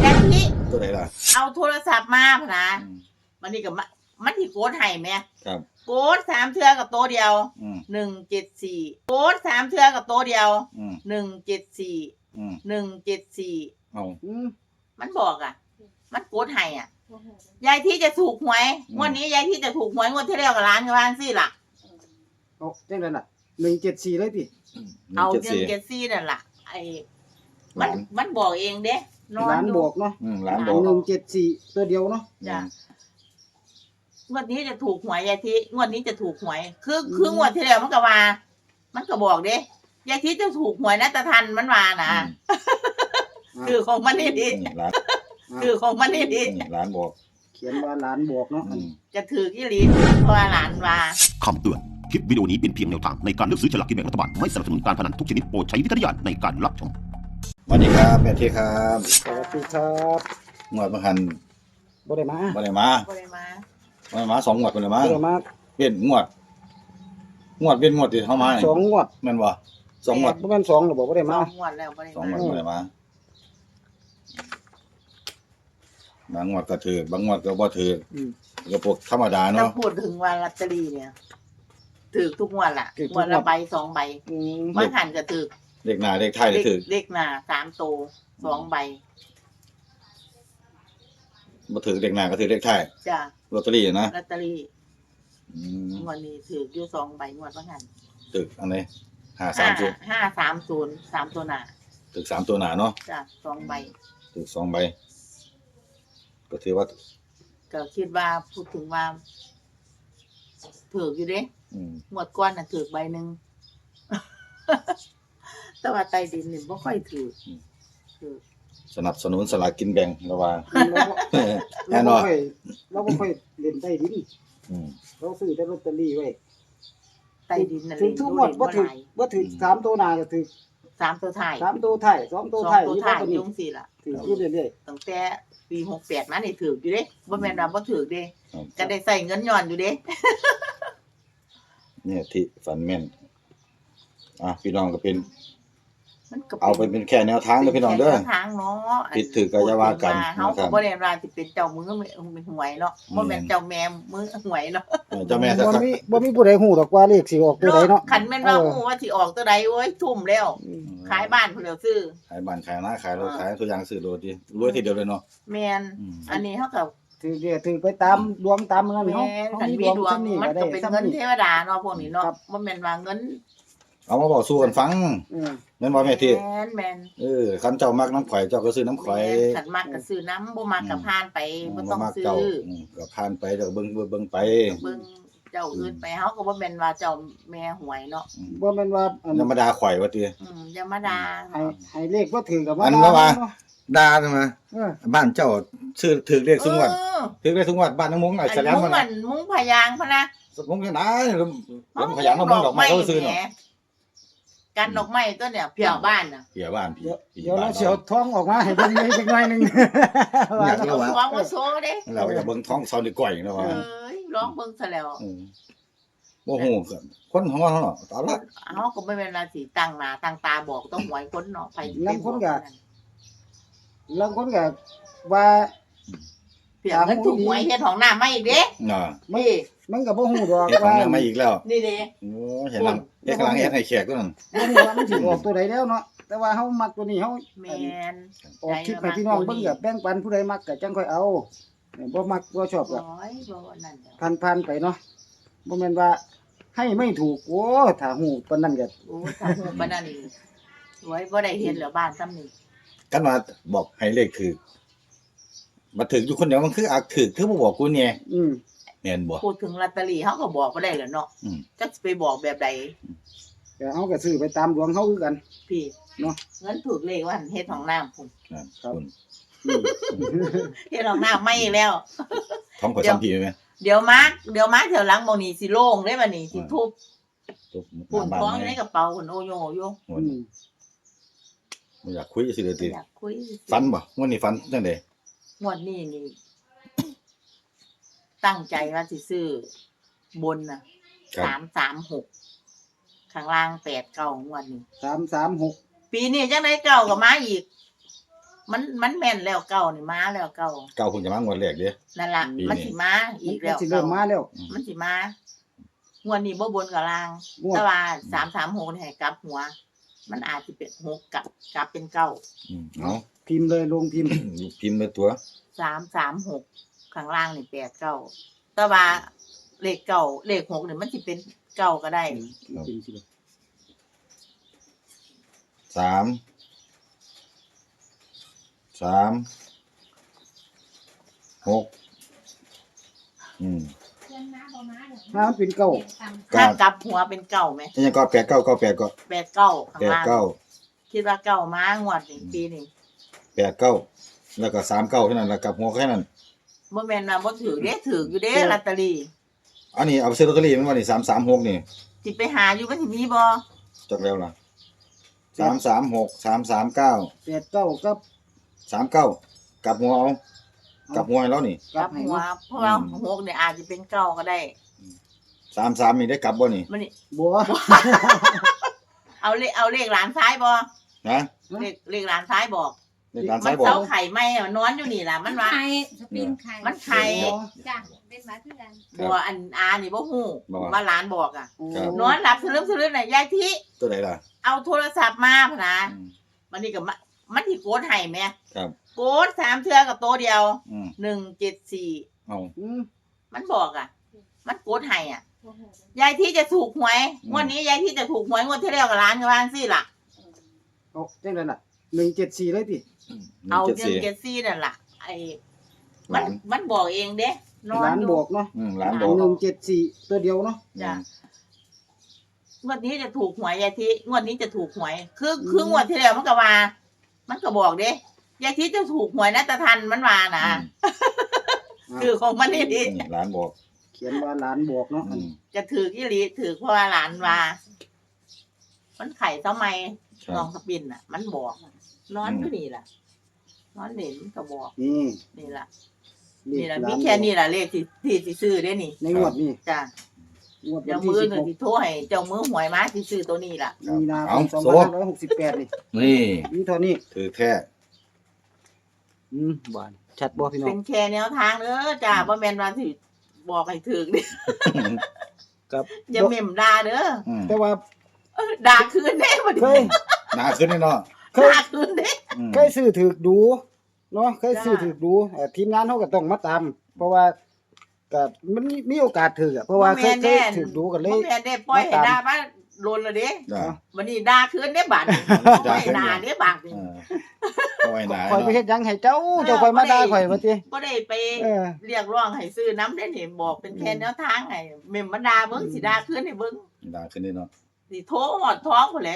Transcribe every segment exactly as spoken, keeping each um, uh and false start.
ยายทิตัวไหนล่ะเอาโทรศัพท์มาพะนะมันนี่กับมันที่โกดให้แม่ครับโกดสามเทือกับตัวเดียวหนึ่งเจ็ดสี่โกดสามเทือกับตัวเดียวหนึ่งเจ็ดสี่หนึ่งเจ็ดสี่เอามันบอกอ่ะมันโกดให้อ่ะยายที่จะถูกหวยงวดนี้ยายที่จะถูกหวยงวดที่แล้วกับร้านกับร้านซี่ล่ะเอาเจ้านั่นล่ะหนึ่งเจ็ดสี่เลยพี่เอาหนึ่งเจ็ดสี่นั่นล่ะไอ้มันมันบอกเองเด้ร้านบอกเนาะร้านบอกหนึ่งเจ็ดสี่ตัวเดียวเนาะจ้ะงวดนี้จะถูกหวยยายทิงวดนี้จะถูกหวยคือคืองวดที่แล้วมันก็ว่ามันก็บอกเด้ยายทิจะถูกหวยนะตะทันมันว่านะคือของมันนี่ดีคือของมันนี่ดีร้านบอกเขียนว่าร้านบอกเนาะจะถือกี่ลีเพราะว่าหลานว่าคำเตือนคลิปวิดีโอนี้เป็นเพียงแนวทางในการเลือกซื้อฉลากกินแบ่งรัฐบาลไม่สนับสนุนการพนันทุกชนิดโปรดใช้วิจารณญาณในการรับชมสวัสดีครับแม่ที่ครับสวัสดีครับงวดบางหันบ่ได้มาบ่ได้มาบ่ได้มาบ่ได้มาสองงวดบ่ได้มาบ่ได้มาเปลี่ยนงวดงวดเปลี่ยนงวดที่เฮามาสองงวดแม่นบ่สองงวดบ่แม่นสองหรอกบ่ได้มาสองงวดแล้วบ่ได้มาสองงวดบ่ได้มาบางงวดก็ถือบางงวดก็บ่ถืออือก็พวกธรรมดาเนาะถ้าพูดถึงว่าลอตเตอรี่เนี่ยถือทุกงวดล่ะงวดละใบสองใบบ่หันก็ถือเลขหน้าเลขท้ายได้ถือเลขหน้าสามตัวสองใบบ่ถือเลขหน้าก็ถือเลขท้ายจ้ะลอตเตอรี่นะลอตเตอรี่อืมงวดนี้ถืออยู่สองใบงวดบ่หันถืออันไหนห้าสามศูนย์ห้าสามศูนย์ สามตัวหน้าถือสามตัวหน้าเนาะจ้ะสองใบถือสองใบก็ถือว่าก็คิดว่าพูดถึงว่าถืออยู่เด้งวดก่อนน่ะถือใบนึงแต่ว่าใต้ดินนี่บ่ค่อยถือถือสนับสนุนสลากกินแบ่งระว่าแน่นอนเราบ่ค่อยเล่นใต้ดินอืมเราซื้อแต่ลอตเตอรี่ไว้ใต้ดินนั่นถึงทุกงวดบ่ถือบ่ถือสามตัวหน้าก็ถือสามตัวท้ายสามตัวท้ายสองตัวท้ายอยู่ว่าตัวนี้จังซี่ล่ะถืออยู่เรื่อยๆตั้งแต่ปีหกแปดมานี่ถืออยู่เด้บ่แม่นว่าบ่ถือเด้ก็ได้ใช้เงินย้อนอยู่เด้เนี่ยที่ฝันแม่นอ่ะพี่น้องก็เป็นเอาไปเป็นแค่แนวทางเด้อพี่น้องเด้อทางเนาะผิดถือก็อย่าว่ากันเฮาก็บ่ได้ว่าสิเป็นเจ้ามือหวยเนาะบ่แม่นเจ้าแม่มือหวยเนาะเจ้าแม่บ่มีบ่มีผู้ใดฮู้ดอกว่าเลขสิออกตัวใดเนาะคันแม่นว่าฮู้ว่าสิออกตัวใดโอ้ยทุ่มแล้วขายบ้านพุ่นแล้วซื้อขายบ้านขายนาขายรถขายทุกอย่างซื้อโลดดิรวยทีเดียวเลยเนาะแม่นอันนี้เฮาก็ถือเด้ถือไปตามดวงตามเงินเฮาเฮามีดวงมันก็เป็นเงินเทวดาเนาะพวกนี้เนาะบ่แม่นว่าเงินเอามาบอกสู้กันฟังแม่นบ่แม่ที่แม่นแม่นเออคันเจ้ามักน้ำข่อยเจ้าก็ซื้อน้ำข่อยคันมักก็ซื้อน้ำบ่มักก็ผ่านไปบ่ต้องซื้อก็ผ่านไปเด้อเบิ่งเบิ่งไปเบิ่งเจ้าอื่นไปเฮาก็บ่แม่นว่าเจ้าแม่หวยเนาะบ่แม่นว่าธรรมดาข่อยว่าติอืมธรรมดาให้ให้เลขบ่ถือก็บ่อันว่าด่าใช่มั้ยบ้านเจ้าซื้อถือเลขซุงวัดถือเลขซุงวัดบ้านน้องมงไอ้แสลมมันมุงมุงพยางพะนะมงที่ไหนแล้วพยางน้องมงดอกไม้เขาซื้อเนาะกันดอกไม้ตัวเนี่ยเพียบ้านน่ะเพียบ้านพี่เดี๋ยวเราสิเอาท้องออกมาให้เบิ่งอีกจักหน่อยนึงอยากรู้ว่าท้องบ่โซเด้เราจะเบิ่งท้องซอนดีก่อยเนาะว่าเอ้ยร้องเบิ่งซะแล้วบ่ฮู้คนของเราเนาะตาลักเฮาก็บ่แม่นว่าสิตั้งหน้าตั้งตาบอกต้องหวยคนเนาะไผลางคนก็ลางคนก็ว่าเพียงถูกหวยเฮ็ดห้องน้ำมาอีกเด้น่ะนี่มันก็บ่ฮู้ดอกว่าเฮ็ดห้องน้ำมาอีกแล้วนี่เด้โอ้เห็นแล้วเฮ็ดกำลังเฮ็ดให้แขกตัวนั้นบ่ฮู้ว่ามันสิออกตัวใดแล้วเนาะแต่ว่าเฮามักตัวนี้เฮาแม่นออกคลิปให้พี่น้องเบิ่งก็แบ่งปันผู้ใดมักก็จังค่อยเอาบ่มักบ่ชอบก็ผ่านๆไปเนาะบ่แม่นว่าให้ไม่ถูกโอ้ถ้าฮู้ปานนั้นก็โอ้ถ้าฮู้ปานนั้นนี่ไว้บ่ได้เฮ็ดแล้วบ้านซ้ำนี่กันว่าบอกให้เลขถูกมาถึงอยู่คนเดียวมันคืออักถูกคือบ่บอกกูแน่อืมแม่นบ่พูดถึงลอตเตอรี่เฮาก็บอกบ่ได้แล้วเนาะจักสิไปบอกแบบใดแต่เฮาก็ซื้อไปตามดวงเฮาคือกันพี่เนาะเงินถูกเลขว่าเฮ็ดห้องน้ำพุ่นครับเฮ็ดห้องน้ำไม่แล้วท้องข่อยซ้ำพี่มั้ยเดี๋ยวมาเดี๋ยวมาแถวหลังหม้องนี้สิโล่งเด้บัดนี้สิทุบปุ่นท้องในกระเป๋าพุ่นโอโยอยู่อืมบ่อยากคุยสิเด้อติอยากคุยฝันบ่มื้อนี้ฝันจังได๋งวดนี้นี่ตั้งใจว่าสิซื้อบนน่ะสามสามหกข้างล่างแปดเก้างวดนี้สามสามหกปีนี้จังได๋เก้าก็มาอีกมันมันแม่นแล้วเก่านี่มาแล้วเก่าเก่าเพิ่งจะมางวดแรกเด้นั่นล่ะปีนี้มันสิมาอีกมัแล้นวสิเริ่มมาแล้วมันสิมางวดนี้บ่บนกับล่างงวดแต่ว่าสามสามหกนี่ให้กลับหัว มันอาจสิเป็นหกกลับกลับเป็นเก้าอืมเอาพิมพ์เลยลงพิมพ์พิมพ์ไปตัวสามสามหกข้างล่างนี่แปดเก้าแต่ว่าเลขเก้าเลขหกนี่มันสิเป็นเก้าก็ได้พิมพ์สิสามสามหกอืมถ้ามันเป็นเก้าครัถ้าบกลับหัวเป็นเก้าไหมนี่ยังก็แปดเก้าเก้าแปดก็แปดเก้าข้างแปดล่างเก้าคิดว่าเก้ามางวดนี้ปีนี้แปดเก้าแล้วก็สามเก้าแค่นั้นแล้วกลับหัวแค่นั้นบ่แม่นว่าบ่ถือเด้ถืออยู่เด้ลอตเตอรี่อันนี้เอาไปซื้อลอตเตอรี่มันว่านี่สามสามหกนี่สิไปหาอยู่มันสิมีบ่จดแล้วล่ะสามสามหกสามสามเก้าแปดเก้ากับสามเก้ากลับหัวเอากลับหัวให้แล้วนี่กลับให้หัวเนาะเพราะว่าหกเนี่ยอาจจะเป็นเก้าก็ได้สามสามนี่ได้กลับบ่นี่มันนี่บัวเอาเลขเอาเลขหลานซ้ายบ่นะเลขเลขหลานซ้ายบอกในการมัซ้ายนบอกเสาไข่ไหมอะนอนอยู่นี่ล่ะมันว่าไข่สปินไข่มันไข่จ้ะเป็นหมาคือกันบัวอันอานี่บ่ฮู้บอกว่าว่าหลานบอกอ่ะครับนอนหลับสลึมสลึมน่ะยายทิตัวไหนล่ะเอาโทรศัพท์มาพะนะอืมมันนี่ก็มามันสิโกดให้แม่ครับโกดสามเทื่อกับตัวเดียวอืมหนึ่งเจ็ดสี่เอาอืมมันบอกอ่ะ มันโกดให้อ่ะ ยายที่จะถูกหวยงวดนี้ยายที่จะถูกหวยงวดที่แล้วกับร้านกับร้านซี่ล่ะเอาจังได๋น่ะหนึ่งเจ็ดสี่เลยติเอาหนึ่งเงิจ็นดเกสี่ซี่นั่นล่ะไอ้มันหลานมันบอกเองเด้นอหลาน นอยู่บอกเนาะอืมหลานบอกหนึ่งเจ็ดสี่ตัวเดียวเนาะจ้ะงวดนี้จะถูกหวยยายที่งวดนี้จะถูกหวย คือคืองวดที่แล้วมันก็ว่า มันก็บอกเด้ยายที่จะถูกหวยนะตะทันมันว่านะอืมคือของมันนี่ดิอืมหลานบอกเขียนว่าหลานบอกเนาะอืมจะถือกี่ลีถือเพราะว่าหลานว่า มันไข่ทำไมครัน้อบ งสปินอ่ะ มันบอกนอนอืมอยู่นี่ล่ะนอนเล่นมันก็บอกนี่นี่ล่ะเลนี่ขล่ะหลามีนแค่นี้ล่ะเลขที่ที่สิซื้อได้นี่ในงวดนี้จ้ะงวดวัเจ้านที่มือสิบหนึ่หงกที่โทรให้เจ้ามือหวยมาที่ซื้อตัวนี้ล่ะมีนาคเอามสองโซ่พันห้าร้อยหกสิบแปดนี่นี่มีเท่านี้ถือแท้อืมบานชัดบ่พี่น้อเป็งนแค่แนวทางเด้อจ้าบ่แม่นว่าสิบอกให้ถึงเด้ครับอย่าเม่มด่าเด้ออืมแต่ว่าเออด่าคืนเด้บ่เคดิยหนาขึ้นแน่นอนเคยด่าคืนเด้อืมเคยซื้อถือดูเนาะเคยจ้าซื้อถือดูเอ่อทีมงานเขาก็ต้องมาตาม เพราะว่าก็มันมีมีโอกาสถืออะเพราะว่าเคยเคยถือดูกันเลบ่ยแม่นได้ปล่อยให้ด่ามาโลนและเด้จ้ะวันนี้ด่าคืนเด้บาดนี้บ่ให้ด่าเด้บาดนี้เออเอาไว้หนาข่อยไปเนาะเฮ็ดหยังให้เจ้าเจ้าข่อยมาด่าข่อยว่าติบ่ได้ไปเออเรียกร้องให้ซื้อน้ำได้นี่บอกเป็นแค่แนวทางให้เม่มมันด่าเบิ่งสิด่าคืนให้เบิ่งหนาขึ้นแน่นอนสิโทรหอดท้องพุ่นแหละ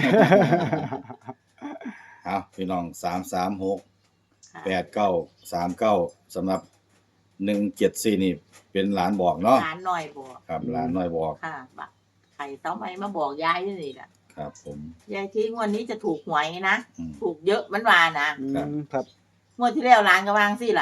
เอาพี่น้องสามสามหกแปดเก้าสามเก้าสำหรับหนึ่งเจ็ดสี่นี่เป็นหลานบอกเนาะหลานน้อยบอกครับหลานน้อยบอกค่ะบักไข่เต้าไม้มาบอกยายนี่ล่ะครับผมยายที่งวดนี้จะถูกหวยนะอืมถูกเยอะมันว่านะอืมครับงวดที่แล้วร้านก็วางสิล่ะ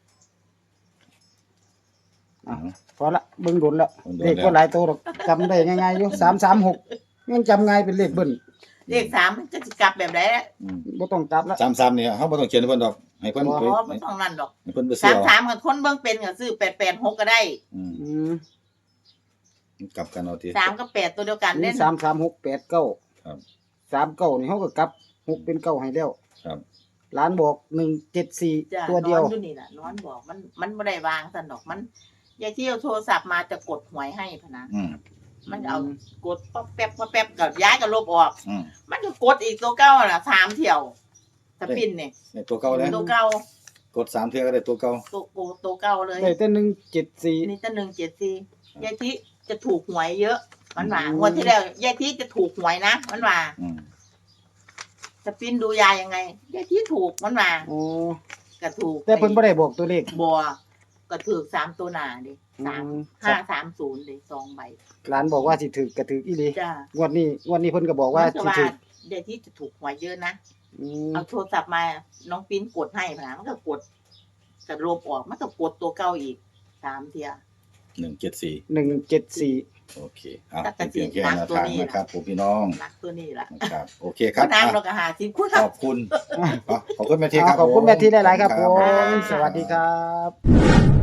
อ่ะ พอละเบิ่งโดนละเบิ่งโดนแล้วเลขก็หลายตัวหรอกจำได้ง่ายๆอยู่สามสามหกยังจำง่ายเป็นเลขเบิ้ลเลขสามมันจะสิกลับแบบไหนล่ะอืมบ่ต้องกลับละสามสามเนี่ยเขาบ่ต้องเขียนให้เพิ่นดอก ให้เพิ่นอ๋ไปอไม่ต้องนั่นดอกให้เพิ่นไปสาเสี่ยมวสามกับคนเบิ่งเป็นก็ซื้อแปดแปดหกก็ได้อืมอืมกลับกันเอาทีสามกับแปดตัวเดียวกันนี่เล่นสามสามหกแปดเก้าครับสามเก้านี่เขาก็กลับหกเป็นเก้าให้แล้วครับร้านบอกหนึ่งเจ็ดสี่จ้ะตัวเดียวนอนอยู่นี่ล่ะนอนบอกมันมันไม่ได้วางสันดอกมันยายที่เอาโทรศัพท์มาจะกดหวยให้พะนะอืมมันเอากดป๊อปแป๊บป๊อปแป๊บกับย้ายกับลบออกอืมมันก็กดอีกตัวเก้าล่ะสามเที่ยวสปินเนี่ยในตัวเก่าแล้วตัวเก้ากดสามเทื่อก็ได้ตัวเก่าตัวโกตัวเก้าเลยได้แต่หนึ่งเจ็ดสี่นี่จะหนึ่งเจ็ดสี่ยายที่จะถูกหวยเยอะ มันว่าอืมงวดที่แล้วยายที่จะถูกหวยนะมันว่าอืมสปินดูยายยังไงยายที่ถูกมันว่าโอ้ก็ถูกแต่เพิ่นบ่ได้บอกตัวเลขบัวก็ถูกสามตัวหนาดิสามอืมห้าสามศูนย์ดิสองใบร้านบอกว่าสิถือกระถืออีหลีจ้างวดนี้งวดนี้เพิ่นก็บอกว่ามันก็สิว่าถือเดี๋ยวที่จะถูกหวยเยอะนะอืมเอาโทรศัพท์มาน้องปิ้นกดให้พะนะมันก็กดกระลบออกมันก็กดตัวเก้าอีกสามเทียหนึ่งเจ็ดสี่หนึ่งเจ็ดสี่โอเคอ่ะเป็นเพียงแค่แนวทางนะครับผมพี่น้องนักตัวนี้ล่ะนะครับโอเคครัก็บนางอ่ะเราก็หาสิบคุณขอบคุณอ่ะขอบคุณแม่ทีครับขอบคุณแม่ที่หลายๆครับขผอณม สวัสดีครับ